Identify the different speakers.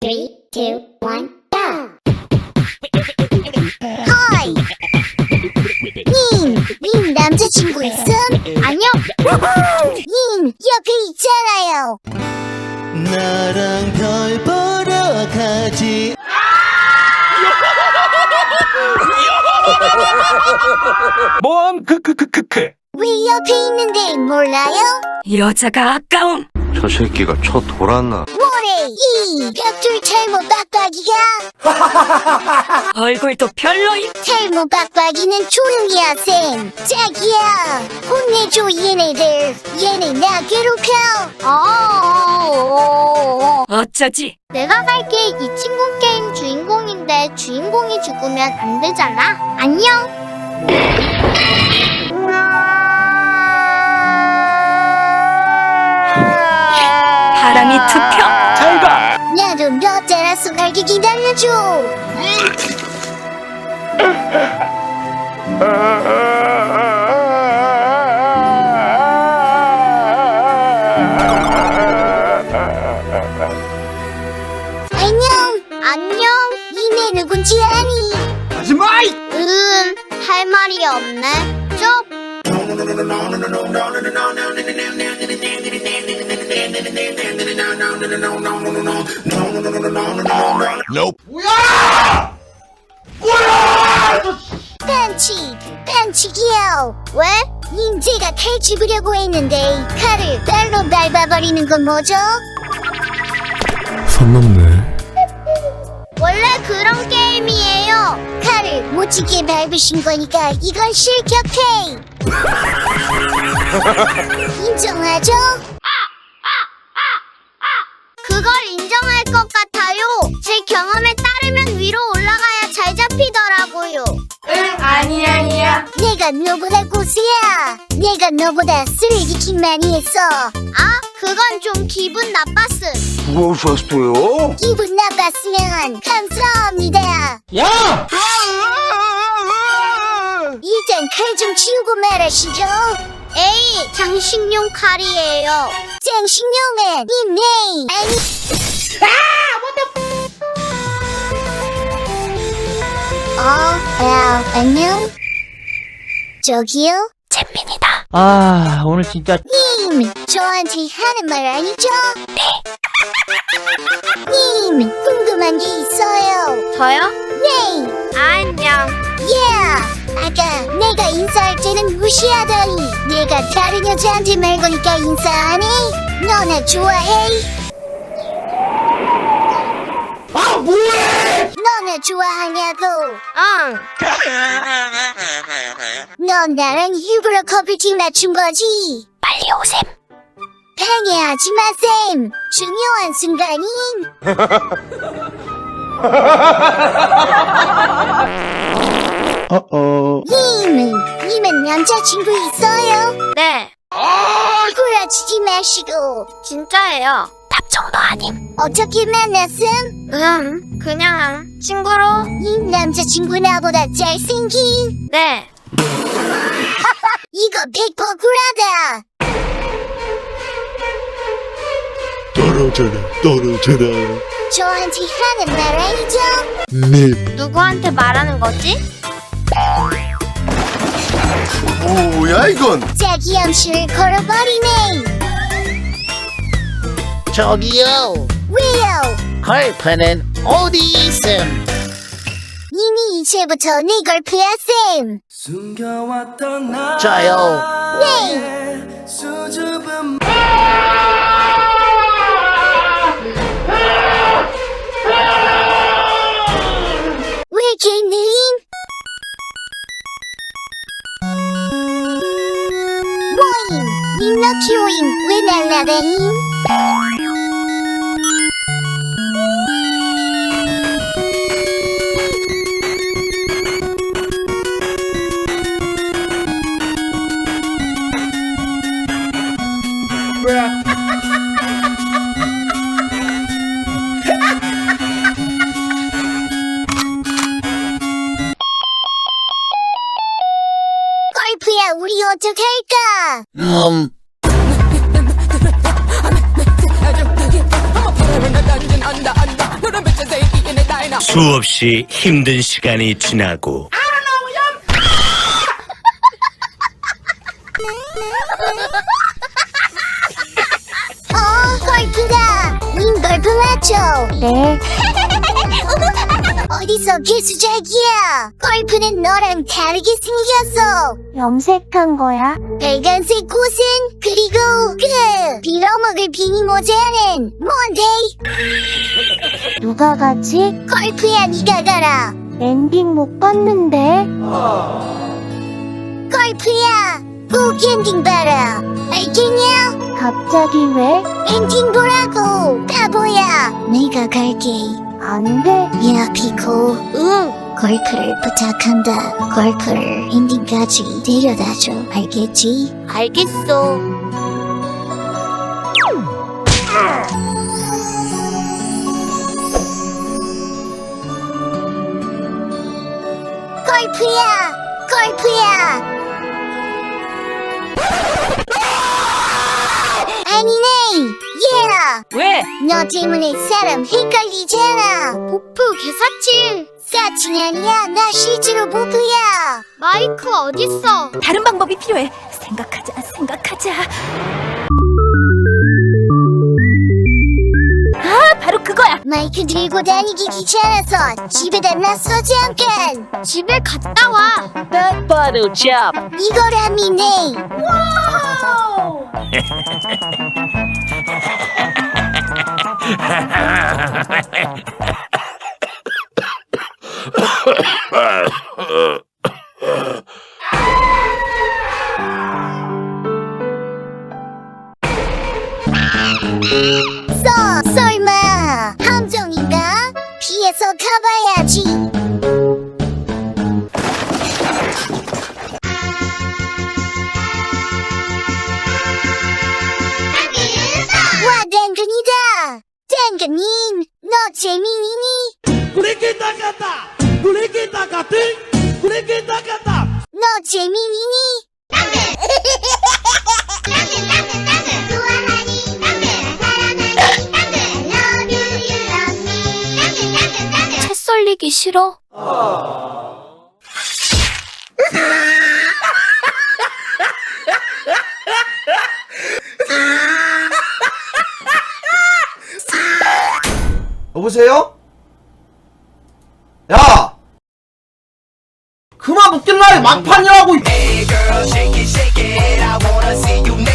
Speaker 1: 3, 2, 1, go! 하이! 님 남자친구 있음? 아니요! 님 옆에 있잖아요!
Speaker 2: 나랑 별 보러 가지.
Speaker 3: 모험 크크크크크.
Speaker 1: 왜 옆에 있는데 몰라요?
Speaker 4: 여자가 아까움.
Speaker 5: 저 새끼가 쳐 돌았나?
Speaker 1: 뭐래 이 벽돌 탈모 빡빡이가
Speaker 4: 얼굴도 별로임.
Speaker 1: 탈모 빡빡이는 조용히 하셈. 자기야 혼내줘 얘네들. 얘네 나 괴롭혀.
Speaker 4: 어쩌지?
Speaker 1: 내가 갈게. 이 친구 게임 주인공인데 주인공이 죽으면 안 되잖아. 안녕.
Speaker 4: 바람이 투표.
Speaker 3: 잘 가.
Speaker 1: 나도 너 따라서 갈게. 기다려줘. 안녕. 니네 누군지 아니?
Speaker 3: 하지마.
Speaker 1: 할 말이 없네. 쪽. 벤치기요. 왜? 인제가 칼 집으려고 했는데 칼을 발로 밟아버리는 건 뭐죠?
Speaker 6: 선 넘네.
Speaker 1: 원래 그런 게임이에요. 칼을 못지게 밟으신 거니까 이건 실격해. 인정하죠? 그걸 인정할 것 같아요. 제 경험에 따르면 위로 올라가야 잘 잡히더라고요.
Speaker 4: 아니야.
Speaker 1: 내가 너보다 고수야. 내가 너보다 쓰레기킹 많이 했어. 그건 좀 기분 나빴음.
Speaker 5: 무엇이었어요?
Speaker 1: 기분 나빴으면 감사합니다.
Speaker 3: 야.
Speaker 1: 일단 칼 좀 치우고 말하시죠. 에이, 장식용 칼이에요. 장식용은 닉네임 아니. 안녕. 저기요. 잼민이다.
Speaker 2: 오늘 진짜
Speaker 1: 님, 저한테 하는 말 아니죠? 네. 님, 궁금한 게 있어요.
Speaker 4: 저요?
Speaker 1: 네.
Speaker 4: 안녕.
Speaker 1: 아까 내가 인사할 때는 무시하더니 내가 다른 여자한테 말 거니까 인사 안 해? 너 나 좋아해?
Speaker 3: 뭐해?
Speaker 1: 너 나 좋아하냐고?
Speaker 4: 응.
Speaker 1: 너 나랑 일부러 커플팀 맞춘 거지? 빨리 오셈. 방해하지 마셈. 중요한 순간임. 님은 남자친구 있어요?
Speaker 4: 네.
Speaker 1: 구라치지 마시고.
Speaker 4: 진짜예요.
Speaker 1: 답정너 아님. 어떻게 만났음?
Speaker 4: 그냥 친구로.
Speaker 1: 이 남자친구 나보다 잘생긴.
Speaker 4: 네.
Speaker 1: 이거 100% 구라다.
Speaker 6: 떨어져라.
Speaker 1: 저한테 하는 말 아니죠?
Speaker 6: 네.
Speaker 4: 누구한테 말하는 거지?
Speaker 5: 뭐야 이건?
Speaker 1: 자기 암시를 걸어버리네.
Speaker 2: 저기요.
Speaker 1: 왜요?
Speaker 2: 걸프는 어디 있음?
Speaker 1: 이미 이제부터 네 걸프야 쌤.
Speaker 2: 저요.
Speaker 1: 네. 왜 개느임? 뭐임? 님럭키오임 왜 날라다임? 걸프야 우리 어떡할까?
Speaker 7: 수없이 힘든 시간이 지나고
Speaker 1: 골프다. 닌 골프 맞죠? 네. 어디서 개수작이야? 골프는 너랑 다르게 생겼어. 염색한 거야? 빨간색 꽃은 그리고 그 빌어먹을 비니 모자는 뭔데? 누가 가지? 골프야 네가 가라. 엔딩 못 봤는데. 골프야 꼭 엔딩 봐라. 알겠냐? 갑자기 왜? 엔딩 보라고 바보야. 내가 갈게. 안 돼. 야 피코. 응. 골프를 부탁한다. 골프를 엔딩까지 데려다줘. 알겠지? 알겠어. 골프야. 골프야. 아니네. 얘라.
Speaker 4: 왜?
Speaker 1: 너 때문에 사람 헷갈리잖아.
Speaker 4: 보프 개사칠.
Speaker 1: 사칭 아니야. 나 실제로 보프야.
Speaker 4: 마이크 어딨어?
Speaker 8: 다른 방법이 필요해. 생각하자. 아, 바로 그거야.
Speaker 1: 마이크 들고 다니기 귀찮아서 집에다 놨어 잠깐.
Speaker 4: 집에 갔다 와.
Speaker 2: 딱 봐도 잡.
Speaker 1: 이거라미네. 설마 함정인가? 피해서 가봐야지. 와 당근이다. 당근님 너 재민이니? 너 재민이니?
Speaker 4: 채 썰리기 싫어.
Speaker 9: 여보세요? 야! 그만 웃길라 막판이라고.